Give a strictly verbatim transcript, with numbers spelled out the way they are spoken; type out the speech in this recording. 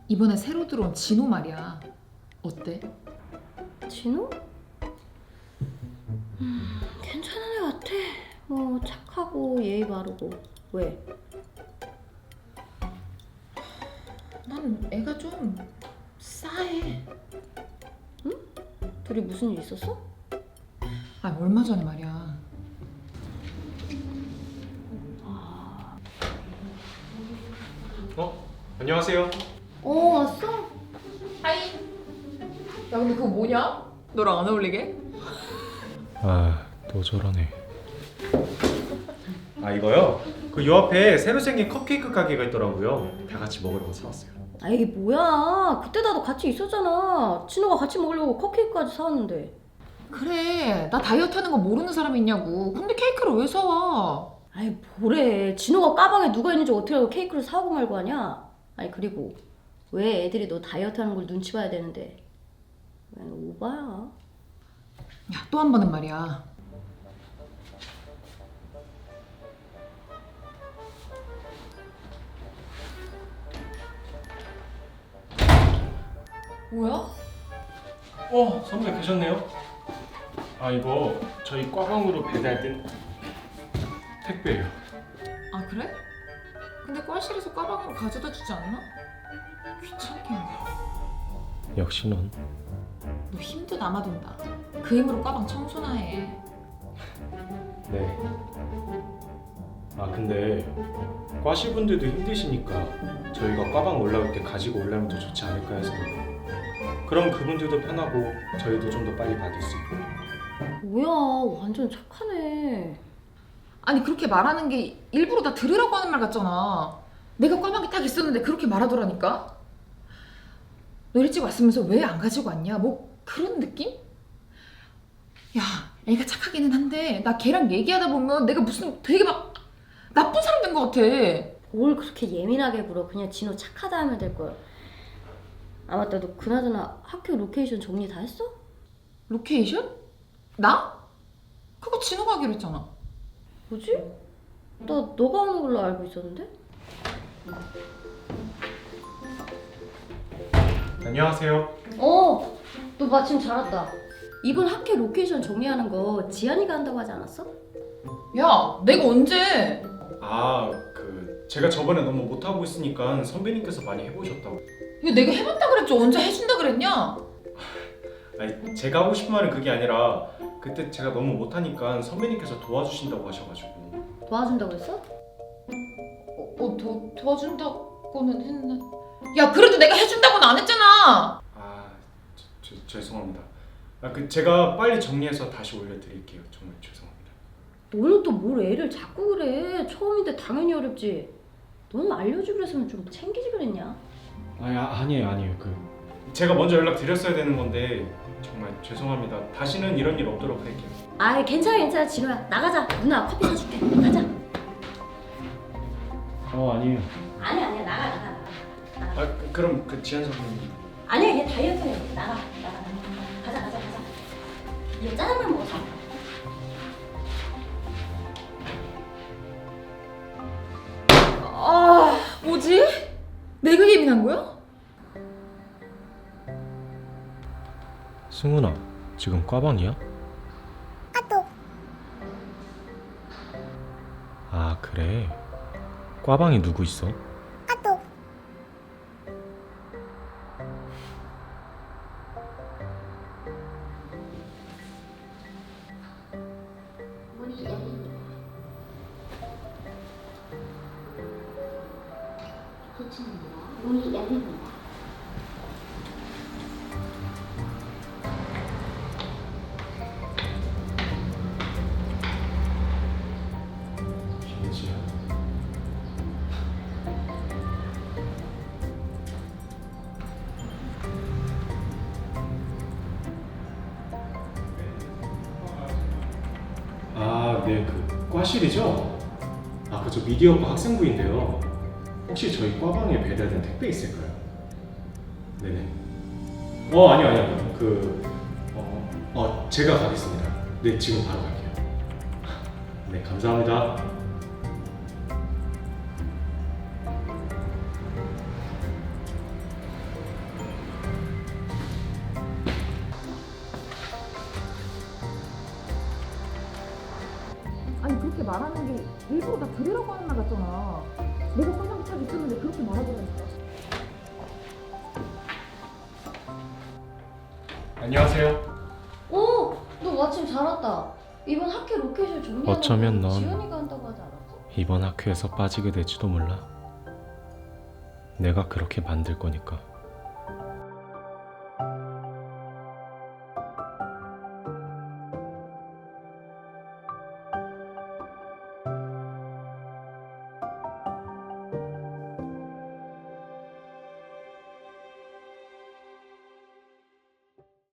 이번에 새로 들어온 진호 말이야. 어때? 진호? 음, 괜찮은 애 같아. 뭐 착하고 예의 바르고. 왜? 난 애가 좀 싸해. 둘이 무슨 일 있었어? 아, 얼마 전에 말이야. 어? 안녕하세요. 어 왔어? 하이. 야, 근데 그거 뭐냐? 너랑 안 어울리게? 아, 또 저러네. 아, 이거요? 그 요 앞에 새로 생긴 컵케이크 가게가 있더라고요. 다 같이 먹으려고 사왔어요. 아 이게 뭐야? 그때 나도 같이 있었잖아. 진호가 같이 먹으려고 컵케이크까지 사왔는데. 그래, 나 다이어트 하는 거 모르는 사람이 있냐고. 근데 케이크를 왜 사와? 아이 뭐래. 진호가 가방에 누가 있는지 어떻게 알고 케이크를 사오고 말고 하냐? 아니 그리고 왜 애들이 너 다이어트 하는 걸 눈치 봐야 되는데. 왜 오바야? 야, 또 한 번은 말이야. 뭐야? 어, 선배 계셨네요. 아, 이거 저희 과방으로 배달된 택배예요. 아, 그래? 근데 과실에서 가방으로 가져다 주지 않나? 귀찮게 하네. 역시 넌. 너 힘도 남아돈다. 그 힘으로 가방 청소나 해. 네. 아, 근데 과시분들도 힘드시니까 저희가 과방 올라올 때 가지고 올라오면 더 좋지 않을까 해서. 그럼 그분들도 편하고 저희도 좀 더 빨리 받을 수 있고. 뭐야 완전 착하네. 아니, 그렇게 말하는 게 일부러 나 들으라고 하는 말 같잖아. 내가 꽈방이 딱 있었는데 그렇게 말하더라니까. 너 일찍 왔으면서 왜 안 가지고 왔냐? 뭐 그런 느낌? 야, 애가 착하기는 한데 나 걔랑 얘기하다 보면 내가 무슨 되게 막 나쁜 사람 된 것 같아. 뭘 그렇게 예민하게 굴어. 그냥 진호 착하다 하면 될 거야. 아 맞다, 너 그나저나 학교 로케이션 정리 다 했어? 로케이션? 나? 그거 진호가 하기로 했잖아. 뭐지? 나 너가 하는 걸로 알고 있었는데? 안녕하세요. 어! 너 마침 잘 왔다. 이번 학교 로케이션 정리하는 거 지한이가 한다고 하지 않았어? 야, 내가 언제? 아, 그 제가 저번에 너무 못하고 있으니까 선배님께서 많이 해보셨다고. 이거 내가 해봤다 그랬지 언제 해준다 그랬냐? 아니, 제가 하고 싶은 말은 그게 아니라 그때 제가 너무 못하니까 선배님께서 도와주신다고 하셔가지고. 도와준다고 했어? 어, 어 도, 도와준다고는 했나? 야, 그래도 내가 해준다고는 안 했잖아. 아, 저, 저, 죄송합니다. 아, 그 제가 빨리 정리해서 다시 올려드릴게요. 정말 죄송합니다. 너는 또 뭘 애를 자꾸 그래. 처음인데 당연히 어렵지. 너는 알려주기로 했으면 좀 챙기지 그랬냐? 아니, 아, 아니에요, 아니에요. 그 제가 먼저 연락 드렸어야 되는 건데 정말 죄송합니다. 다시는 이런 일 없도록 할게요. 아이 괜찮아 괜찮아. 진호야 나가자. 누나 커피 사줄게. 가자. 어, 아니에요. 아니 아니야 나가 나가 나가. 아, 그, 그럼 그 지한 선배님. 아니야 얘 다이어트해. 나가 나가. 가자 가자 가자. 얘 짜장면 먹어서. 아, 뭐지? 내가 예민한 거야? 승훈아, 지금 과방이야? 아, 그래. 과방에 누구 있어? 문이 열립니다. 좋습니다. 문이 열립니다. 김지야. 아, 네, 그 과실이죠? 아, 그저 미디어과 학생부인데요. 혹시 저희 과방에 배달된 택배 있을까요? 네네. 어, 아니요, 아니요. 그, 어, 어, 제가 가겠습니다. 네, 지금 바로 갈게요. 네, 감사합니다. 말하는 게 일부러 나 들으라고 하는 말 같잖아. 내가 까방이 딱 있었는데 그렇게 말하더라니까. 안녕하세요. 어, 너 마침 잘 왔다. 이번 학교 로케이션 정리하는 어쩌면 거 넌 지연이가 한다고 하지 않았어? 이번 학교에서 빠지게 될지도 몰라. 내가 그렇게 만들 거니까.